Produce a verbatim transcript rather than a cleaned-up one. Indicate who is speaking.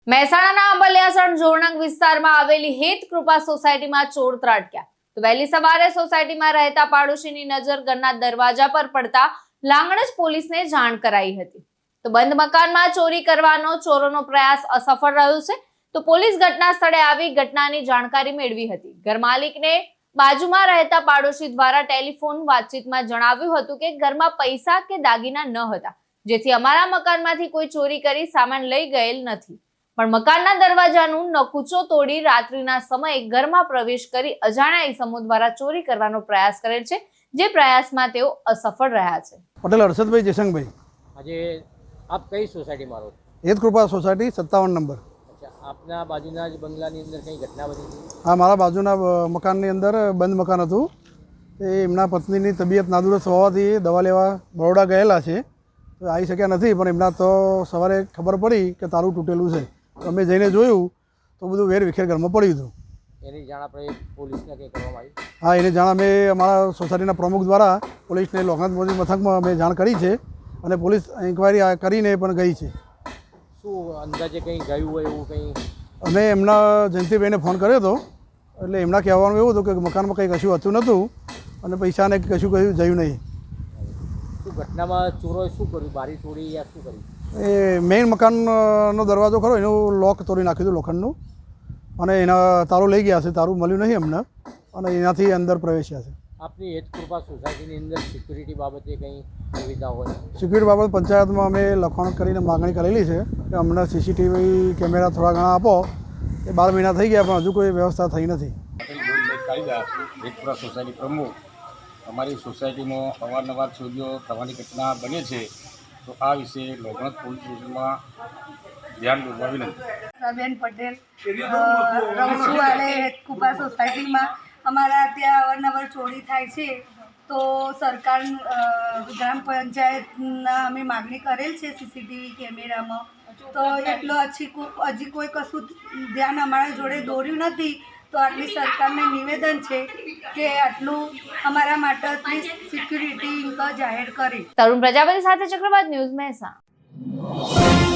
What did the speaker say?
Speaker 1: મહેસાણાના અંબલિયાસણ જોરણંગ વિસ્તારમાં આવેલી હેત કૃપા સોસાયટીમાં ચોર ત્રાટક્યા તો વહેલી સવારે સોસાયટીમાં રહેતા પાડોશીની નજર ઘરના દરવાજા પર પડતા લાંગણજ પોલીસને જાણ કરાઈ હતી તો બંધ મકાનમાં ચોરી કરવાનો ચોરોનો પ્રયાસ અસફળ રહ્યો છે તો પોલીસ ઘટના સ્થળે આવી ઘટનાની જાણકારી મેળવી હતી ઘર માલિકને બાજુમાં રહેતા પાડોશી દ્વારા ટેલિફોન વાતચીતમાં જણાવ્યું હતું કે ઘરમાં પૈસા કે દાગીના ન હતા જેથી અમારા મકાનમાંથી કોઈ ચોરી કરી સામાન લઈ ગયેલ નથી પણ મકાનના દરવાજાનું નકુચો તોડી રાત્રિના સમયે ઘરમાં પ્રવેશ કરી અજાણ્યા ઈસમો દ્વારા ચોરી કરવાનો પ્રયાસ કરેલ છે જે પ્રયાસમાં તેઓ અસફળ રહ્યા છે।
Speaker 2: પટેલ હર્ષદભાઈ જયશંકભાઈ।
Speaker 3: આજે આપ કઈ સોસાયટીમાં રહો?
Speaker 2: હેત કૃપા સોસાયટી સત્તાવન નંબર।
Speaker 3: અચ્છા, આપના બાજુના જ બંગલાની અંદર કઈ ઘટના બની હતી?
Speaker 2: હા, મારા બાજુના મકાનની અંદર બંધ મકાન હતું એ એમના પત્નીની તબિયત નાદુરસ્ત હોવાથી દવા લેવા બરોડા ગયેલા છે તો આવી શક્યા નથી પણ એમના તો સવારે ખબર પડી કે તારું તૂટેલું છે અમે જઈને જોયું તો બધું વેર વિખેર ઘરમાં પડ્યું હતું।
Speaker 3: એની જાણ આપણે પોલીસને કંઈ કરવામાં આવી?
Speaker 2: હા, એની જાણ અમે અમારા સોસાયટીના પ્રમુખ દ્વારા પોલીસને લોકનાથ મોદી મથકમાં અમે જાણ કરી છે અને પોલીસ ઇન્કવાયરી કરીને પણ ગઈ છે।
Speaker 3: શું અંદાજે કંઈ ગયું હોય એવું કંઈ?
Speaker 2: અમે એમના જયંતિભાઈને ફોન કર્યો હતો એટલે એમના કહેવાનું એવું હતું કે મકાનમાં કંઈ કશું હતું નહોતું અને પૈસાને કશું કશું જયું નહીં।
Speaker 3: શું ઘટનામાં ચોરોએ શું કર્યું? બારી તોડી યા શું કર્યું?
Speaker 2: એ મેઇન મકાનનો દરવાજો ખરો એનું લોક તોડી નાખ્યું હતું લોખંડનું અને એના તારું લઈ ગયા છે, તારું મળ્યું નહીં અમને અને એનાથી અંદર પ્રવેશ્યા છે।
Speaker 3: આપની હેત કૃપા સોસાયટીની અંદર સિક્યુરિટી બાબતે કંઈ સુવિધા હોય?
Speaker 2: સિક્યુરિટી બાબત પંચાયતમાં અમે લખાણ કરીને માગણી કરેલી છે કે અમને સીસીટીવી કેમેરા થોડા ઘણા આપો એ બાર મહિના થઈ ગયા પણ હજુ કોઈ વ્યવસ્થા થઈ નથી।
Speaker 4: હેત કૃપા સોસાયટી પ્રમુખ। અમારી સોસાયટીમાં અવારનવાર ચોરીઓ થવાની ઘટના બને છે તો આ વિશે લોકનાથ પોલીસ સ્ટેશનમાં ધ્યાન દોરવા વિનંતી।
Speaker 5: બેન પટેલ રહું છું અને હેત કૃપા સોસાયટીમાં અમારા ત્યાં અવારનવાર ચોરી થાય છે તો સરકાર ગ્રામ પંચાયતના અમે માગણી કરેલ છે સીસીટીવી કેમેરામાં તો એટલો હજી હજી કોઈ કશું ધ્યાન અમારા જોડે દોર્યું નથી તો આટલી સરકારને નિવેદન છે કે આટલું અમારા માટે આટલી સિક્યુરિટી જાહેર કરે।
Speaker 1: તરુણ પ્રજાપતિ સાથે ચક્રવાત ન્યૂઝ મહેસાણા।